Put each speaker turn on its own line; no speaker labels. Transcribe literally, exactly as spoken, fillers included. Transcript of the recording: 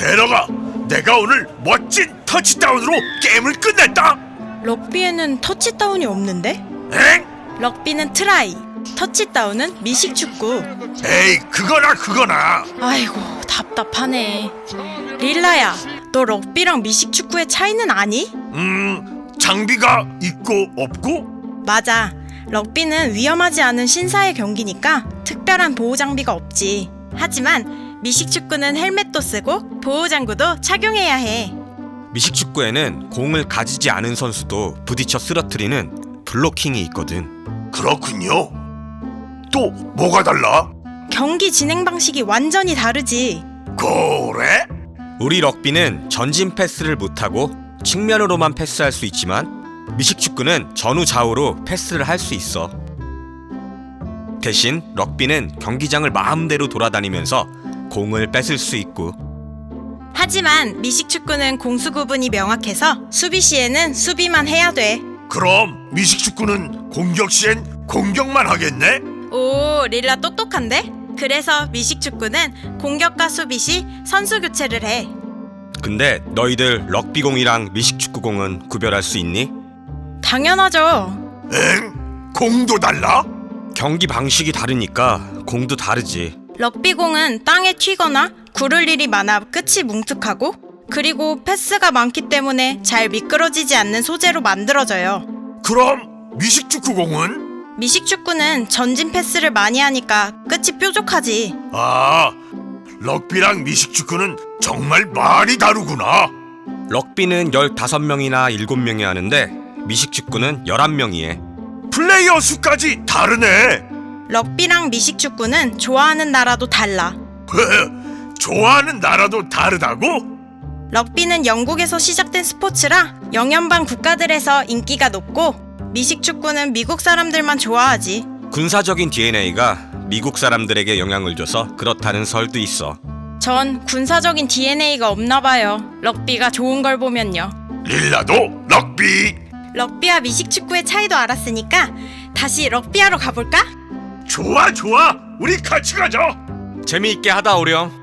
데려가. 내가 오늘 멋진 터치다운으로 게임을 끝냈다.
럭비에는 터치다운이 없는데?
엥?
럭비는 트라이, 터치다운은 미식축구.
에이, 그거나 그거나.
아이고 답답하네. 릴라야, 너 럭비랑 미식축구의 차이는 아니?
음, 장비가 있고 없고?
맞아. 럭비는 위험하지 않은 신사의 경기니까 특별한 보호 장비가 없지. 하지만 미식축구는 헬멧도 쓰고 보호장구도 착용해야 해.
미식축구에는 공을 가지지 않은 선수도 부딪혀 쓰러뜨리는 블로킹이 있거든.
그렇군요. 또 뭐가 달라?
경기 진행 방식이 완전히 다르지.
그래?
우리 럭비는 전진 패스를 못하고 측면으로만 패스할 수 있지만 미식축구는 전후 좌우로 패스를 할 수 있어. 대신 럭비는 경기장을 마음대로 돌아다니면서 공을 뺏을 수 있고,
하지만 미식축구는 공수 구분이 명확해서 수비 시에는 수비만 해야 돼.
그럼 미식축구는 공격 시엔 공격만 하겠네?
오, 릴라 똑똑한데? 그래서 미식축구는 공격과 수비 시 선수 교체를 해.
근데 너희들 럭비공이랑 미식축구공은 구별할 수 있니?
당연하죠.
엥? 공도 달라?
경기 방식이 다르니까 공도 다르지.
럭비공은 땅에 튀거나 구를 일이 많아 끝이 뭉툭하고, 그리고 패스가 많기 때문에 잘 미끄러지지 않는 소재로 만들어져요.
그럼 미식축구공은?
미식축구는 전진 패스를 많이 하니까 끝이 뾰족하지.
아, 럭비랑 미식축구는 정말 많이 다르구나.
럭비는 열다섯 명이나 일곱 명이 하는데 미식축구는 열한 명이 해.
플레이어 수까지 다르네.
럭비랑 미식축구는 좋아하는 나라도 달라.
좋아하는 나라도 다르다고?
럭비는 영국에서 시작된 스포츠라 영연방 국가들에서 인기가 높고, 미식축구는 미국 사람들만 좋아하지.
군사적인 디엔에이가 미국 사람들에게 영향을 줘서 그렇다는 설도 있어.
전 군사적인 디엔에이가 없나 봐요. 럭비가 좋은 걸 보면요.
릴라도 럭비.
럭비와 미식축구의 차이도 알았으니까 다시 럭비하러 가볼까?
좋아 좋아, 우리 같이 가자.
재미있게 하다 오렴.